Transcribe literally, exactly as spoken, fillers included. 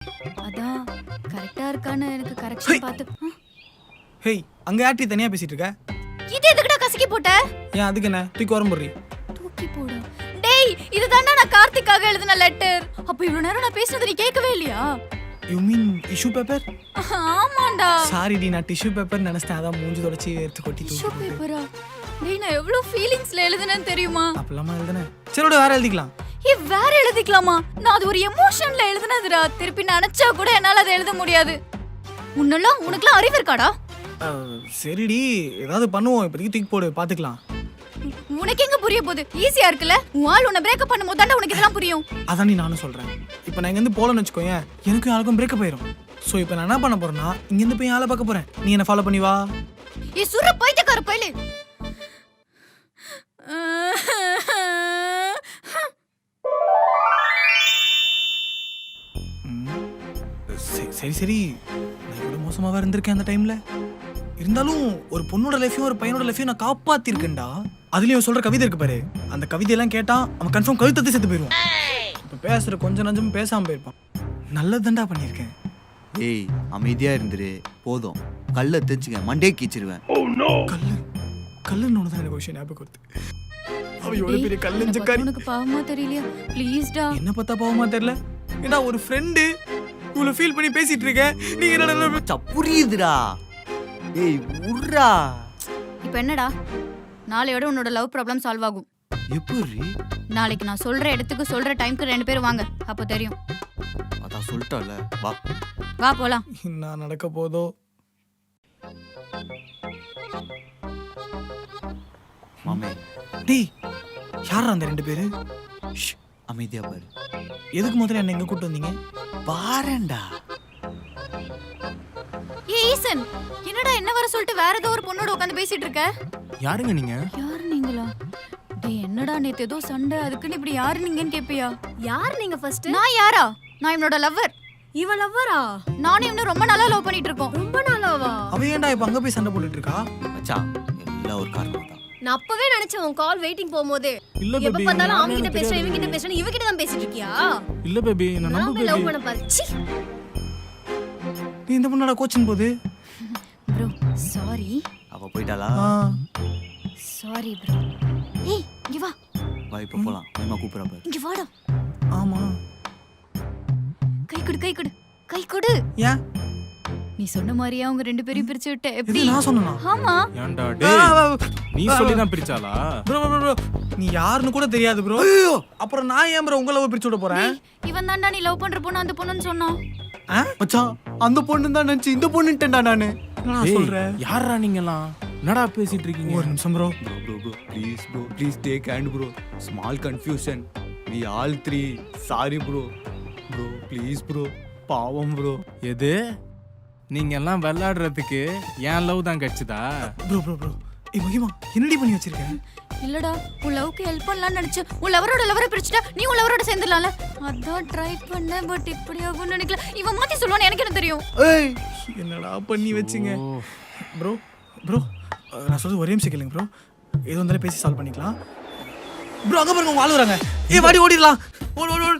அதான் கரெக்டா இருக்கான்னு எனக்கு கரெக்ஷன் பார்த்து. ஹேய், அங்க யார்ட்டி தனியா பேசிட்டு இருக்க? இது எதுக்குடா கசக்கி போட்ட? ஏன் அதுக்கு என்ன தூக்கி வரம் போடுறீ? தூக்கி போடு. டேய், இதுதான்டா நான் கார்த்திக்காக எழுதின லெட்டர். அப்ப இவ்வளவு நேரம் நான் பேசுனது நீ கேட்கவே இல்லையா? You mean tissue paper? ஆமாண்டா. சாரி டி, நான் டிஷ்யூ பேப்பர் நினைச்சேன். அதான் மூஞ்சி தொடச்சி எடுத்து கொட்டி தூக்கி. டிஷ்யூ பேப்பரா? டேய், நான் எவ்வளவு ஃபீலிங்ஸ்ல எழுதுனேன்னு தெரியுமா? அப்பலமா எழுதுனேன். சரி, வேற எழுதிக்கலாம். ஏ, வேற எழுதிக்கலாமா? நான் அது ஒரு எமோஷன்ல எழுதுனதுடா. திருப்பி நினைச்சா கூட என்னால அதை எழுத முடியாது. உன்னெல்லாம் உனக்குலாம் அறிவு இருக்காடா? சரிடி, ஏதாவது பண்ணுவோம். இப்போதைக்கு தூக்கி போடு, பாத்துக்கலாம். உனக்கு எங்க புரிய போகுது? ஈஸியா இருக்குல்ல. உன் ஆள் உன்னை பிரேக்கப் பண்ணும்போது தாண்டா உனக்கு இதெல்லாம் புரியும். அதான் நீ நானும் சொல்றேன். இப்போ நான் இங்கேருந்து போகலன்னு வச்சுக்கோங்க, எனக்கும் யாருக்கும் பிரேக்கப் ஆயிரும். ஸோ இப்போ நான் என்ன பண்ண போறேன்னா, இங்கேருந்து போய் ஆளை பார்க்க போறேன். நீ என்ன ஃபாலோ பண்ணி வா. ஏ சுர பைத்தியக்கார பையலே. சரி சரி, நான் இவ்வளோ மோசமாக இருந்திருக்கேன் அந்த டைம்ல. இருந்தாலும் ஒரு பொண்ணோட லைஃபையும் ஒரு பையனோட லைஃபையும் நான் காப்பாத்திருக்கேன்டா. அதுலயும் சொல்ற கவிதை இருக்கு பாரு, அந்த கவிதையெல்லாம் கேட்டா அவன் கன்ஃபார்ம் கழுத்தத்தை செத்து போயிடுவான். இப்போ பேசுற கொஞ்சம் நஞ்சமும் பேசாம போயிருப்பான். நல்லதுதான்டா பண்ணியிருக்கேன். ஏய், அமைதியா இருந்துரு போதும். கல்ல தெரிஞ்சுக்க, மண்டே கீச்சிருவேன். கல்லு கல்லுன்னு ஒன்று தான் எனக்கு விஷயம் ஞாபகம் வருது. அவ எவ்வளவு பெரிய கல்லஞ்சக்காரி. உனக்கு பாவமா தெரியலையா? ப்ளீஸ்டா. என்ன பார்த்தா பாவமா தெரியல? ஏடா ஒரு ஃப்ரெண்டு இவ்வளவு ஃபீல் பண்ணி பேசிட்டு இருக்க, நீங்க என்னடா புரியுதுடா. ஏய் உர்ரா. இப்போ என்னடா, நாளையோட உன்னோட லவ் ப்ராப்ளம் சால்வ் ஆகும். எப்படி? நாளைக்கு நான் சொல்ற இடத்துக்கு சொல்ற டைம்க்கு ரெண்டு பேரும் வாங்க, அப்போ தெரியும். அதான் சொல்லிட்டல, வா வா போலாம். என்ன நடக்க போதோ? மாமே. டேய், யாரா அந்த ரெண்டு பேரு? அமைதியா பாரு. எதுக்கு முதல்ல என்ன எங்க கூட்டு வந்தீங்க? பாரேன்டா. ஏய் ஈசன், என்னடா என்ன வர சொல்லிட்டு வேற ஏதோ ஒரு பொண்ணோட உட்காந்து பேசிட்டு இருக்க? யாருங்க நீங்க? யாரு நீங்களா? டேய், என்னடா நேத்து ஏதோ சண்டை, அதுக்குன்னு இப்படி யாரு நீங்கன்னு கேப்பியா? யார் நீங்க ஃபர்ஸ்ட்? நான் யாரா? நான் இவனோட லவ்வர். இவ லவ்வரா? நானும் இவனும் ரொம்ப நாளா லவ் பண்ணிட்டு இருக்கோம். ரொம்ப நாளாவா? அவ ஏன்டா இப்ப அங்க போய் சண்டை போட்டுட்டு இருக்கா? மச்சான், எல்லாம் ஒரு காரணம் தான். நான் அப்பவே நினைச்சேன் உன் கால் வெயிட்டிங் போகும்போது. இல்ல எப்ப பேபி, பார்த்தாலும் நானே அவங்க கிட்ட எனக்கு பேசுறேன், தெரியாது இவங்க கிட்ட baby. பேசுறேன், இவ கிட்ட தான் பேசிட்டு இருக்கியா? இல்ல பேபி, நான் நம்ப நான் லவ் பேபி. பண்ண பாரு. ச்சீ. நீ இந்த பொண்ணோட கோச்சிங் போது? Bro sorry. அவ போயிட்டாளா? Sorry bro. ஏய் இங்க வா. வா இப்ப போலாம். மேமா கூப்பிடுறா பாரு. இங்க வாடா. ஆமா. கை கொடு கை கொடு கை கொடு. ஏன்? நீ சொன்ன மாதிரியே அவங்க ரெண்டு பேரையும் பிரிச்சு விட்ட. எப்படி? இது நான் சொன்னனா? ஆமா. ஏன்டா டேய், நீ சொல்லி தான் பிரிச்சாளா? ப்ரோ ப்ரோ ப்ரோ, நீ யாருன்னு கூட தெரியாது ப்ரோ. அப்புறம் நான் ஏன் ப்ரோ உங்களை லவ் பிரிச்சு விட போறேன்? இவன் தான்டா நீ லவ் பண்ற பொண்ணு அந்த பொண்ணுன்னு சொன்னான். மச்சான், அந்த பொண்ணு தான் நினைச்சு இந்த பொண்ணுட்டேன்டா நானு. என்ன டேய், சொல்ற? யாரா நீங்கலாம்? என்னடா பேசிட்டு இருக்கீங்க? ஒரு நிமிஷம் bro. Bro, bro, bro, please, bro, please take hand, bro. Small confusion. We all three. Sorry, bro. Bro, please, bro. பாவம் bro. எது? நீங்க எல்லாம் விளையாடுறதுக்கு என் லவ் தான் கிடைச்சதா? ப்ரோ ப்ரோ ப்ரோ, ஏய் மகிமா, என்னடி பண்ணி வச்சிருக்க? இல்லடா, உன் லவ்க்கு ஹெல்ப் பண்ணலாம்னு நினைச்சு உன் லவரோட லவரை பிரிச்சுட்டா நீ உன் லவரோட சேர்ந்துடலாம்ல. அதான் ட்ரை பண்ணேன், பட் இப்படி ஆகும்னு நினைக்கல. இவன் மாத்தி சொல்லுவான்னு எனக்கு என்ன தெரியும்? ஏய், என்னடா பண்ணி வச்சிங்க? ப்ரோ ப்ரோ, நான் சொல்றது ஒரே நிமிஷம் கேளுங்க ப்ரோ. எது வந்தாலும் பேசி சால்வ் பண்ணிக்கலாம். ப்ரோ அங்க பாருங்க, உங்க ஆளு வராங்க. ஏய் வாடி ஓடிடலாம். ஓடு ஓடு.